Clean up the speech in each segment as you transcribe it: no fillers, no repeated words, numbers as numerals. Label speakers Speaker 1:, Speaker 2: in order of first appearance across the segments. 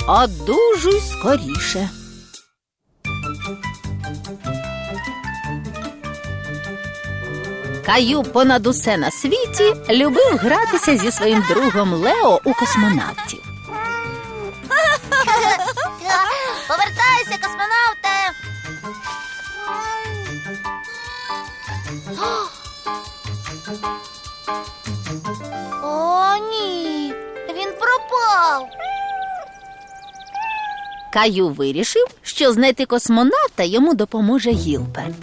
Speaker 1: Одужуй скоріше. Каю понад усе на світі любив гратися зі своїм другом Лео у космонавтів.
Speaker 2: Повертайся, космонавте! О, ні! Він пропав!
Speaker 1: Каю вирішив, що знайти космонавта йому допоможе Гілберт.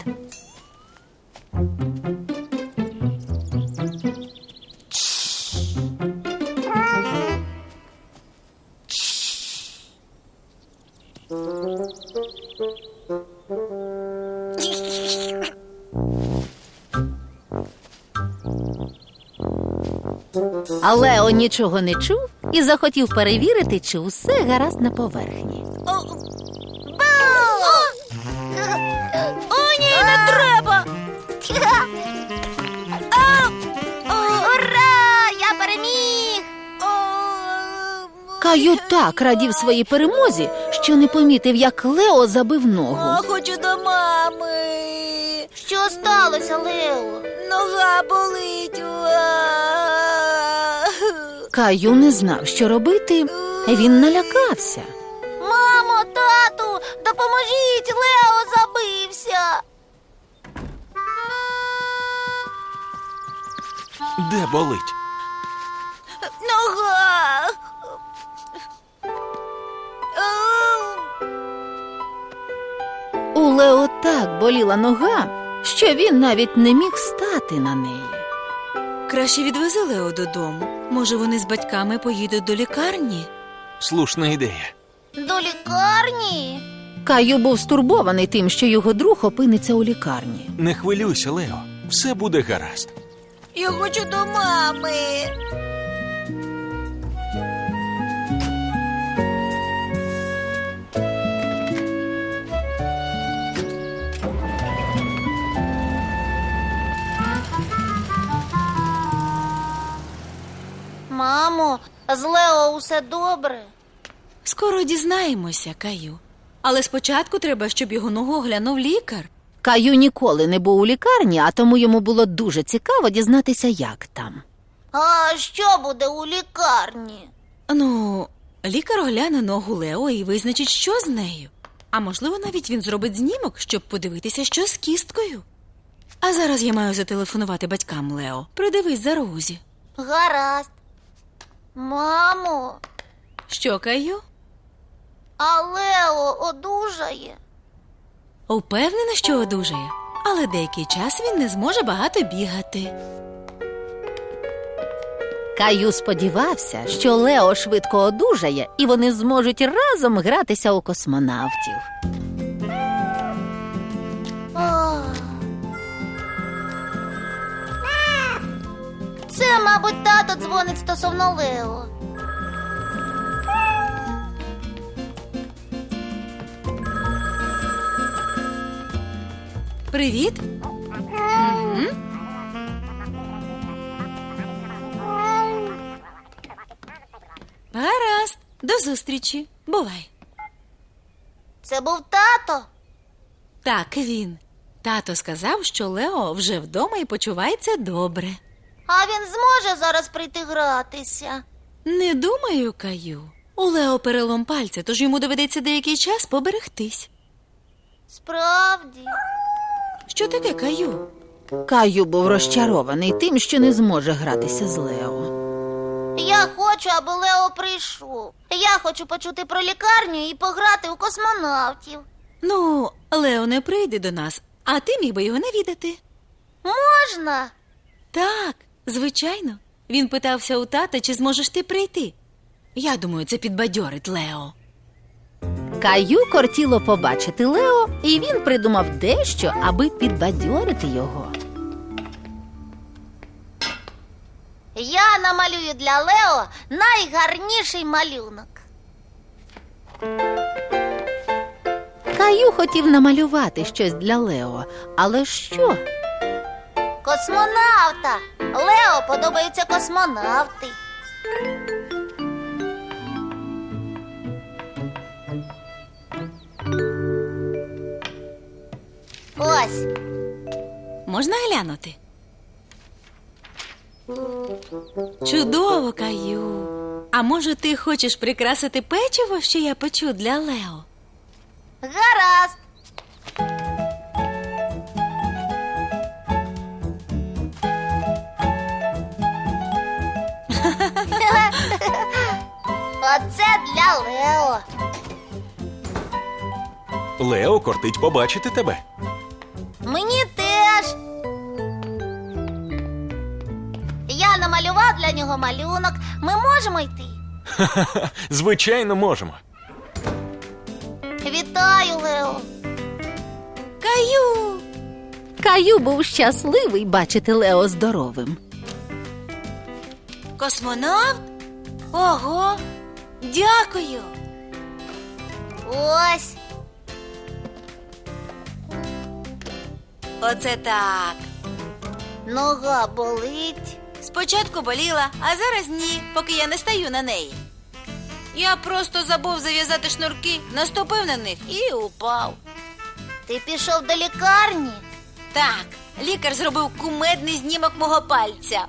Speaker 1: А Лео нічого не чув і захотів перевірити, чи усе гаразд на поверхні.
Speaker 2: О, ні, не треба! Ура! Я переміг!
Speaker 1: Каю так радів своїй перемозі, що не помітив, як Лео забив ногу.
Speaker 3: Хочу до мами.
Speaker 2: Що сталося, Лео?
Speaker 3: Нога болить.
Speaker 1: Каю не знав, що робити. Він налякався.
Speaker 2: Мамо, тату, допоможіть, Лео забився!
Speaker 4: Де болить?
Speaker 3: Нога.
Speaker 1: У Лео так боліла нога, що він навіть не міг стати на неї.
Speaker 3: Краще відвези Лео додому. Може, вони з батьками поїдуть до лікарні?
Speaker 4: Слушна ідея.
Speaker 2: До лікарні?
Speaker 1: Каю був стурбований тим, що його друг опиниться у лікарні.
Speaker 4: Не хвилюйся, Лео. Все буде гаразд.
Speaker 3: Я хочу до мами.
Speaker 2: Мамо, з Лео усе добре?
Speaker 3: Скоро дізнаємося, Каю. Але спочатку треба, щоб його ногу оглянув лікар.
Speaker 1: Каю ніколи не був у лікарні, а тому йому було дуже цікаво дізнатися, як там.
Speaker 2: А що буде у лікарні?
Speaker 3: Ну, лікар огляне ногу Лео і визначить, що з нею. А можливо, навіть він зробить знімок, щоб подивитися, що з кісткою. А зараз я маю зателефонувати батькам Лео. Придивись за Розі.
Speaker 2: Гаразд. Мамо,
Speaker 3: Що, Каю?
Speaker 2: а Лео одужає?
Speaker 3: Упевнена, що одужає. Але деякий час він не зможе багато бігати.
Speaker 1: Каю сподівався, що Лео швидко одужає, і вони зможуть разом гратися у космонавтів.
Speaker 2: Ах. Це, мабуть, тато дзвонить стосовно Лео.
Speaker 3: Привіт. Гаразд. До зустрічі. Бувай.
Speaker 2: Це був тато?
Speaker 3: Так, він. Тато сказав, що Лео вже вдома і почувається добре.
Speaker 2: А він зможе зараз прийти гратися?
Speaker 3: Не думаю, Каю. У Лео перелом пальця, тож йому доведеться деякий час поберегтись.
Speaker 2: Справді?
Speaker 3: Що таке, Каю?
Speaker 1: Каю був розчарований тим, що не зможе гратися з Лео.
Speaker 2: Я хочу, аби Лео прийшов. Я хочу почути про лікарню і пограти у космонавтів.
Speaker 3: Ну, Лео не прийде до нас, а ти міг би його навідати.
Speaker 2: Можна?
Speaker 3: Так, звичайно. Він питався у тата, чи зможеш ти прийти. Я думаю, це підбадьорить Лео.
Speaker 1: Каю кортіло побачити Лео, і він придумав дещо, аби підбадьорити його.
Speaker 2: Я намалюю для Лео найгарніший малюнок.
Speaker 1: Каю хотів намалювати щось для Лео, але що?
Speaker 2: Космонавта. Лео подобаються космонавти. Ось.
Speaker 3: Можна глянути? Чудово, Каю. А може, ти хочеш прикрасити печиво, що я печу для Лео?
Speaker 2: Гаразд. Оце для Лео.
Speaker 4: Лео кортить побачити тебе.
Speaker 2: Мені теж. Я намалював для нього малюнок. Ми можемо йти.
Speaker 4: Звичайно, можемо.
Speaker 2: Вітаю, Лео.
Speaker 3: Каю!
Speaker 1: Каю був щасливий бачити Лео здоровим.
Speaker 3: Космонавт? Ого! Дякую!
Speaker 2: Ось.
Speaker 3: Оце так.
Speaker 2: Нога болить.
Speaker 3: Спочатку боліла, а зараз ні, поки я не стаю на неї. Я просто забув зав'язати шнурки, наступив на них і упав.
Speaker 2: Ти пішов до лікарні?
Speaker 3: Так, лікар зробив кумедний знімок мого пальця.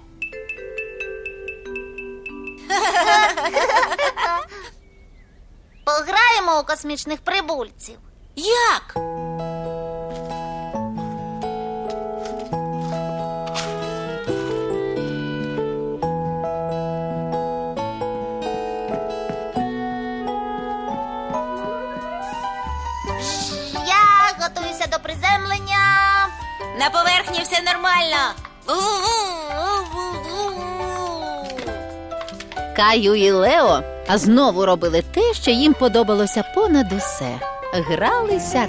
Speaker 2: Пограємо у космічних прибульців.
Speaker 3: Як?
Speaker 2: Я готуюся до приземлення.
Speaker 3: На поверхні все нормально.
Speaker 1: Каю і Лео знову робили те, що їм подобалося понад усе. Гралися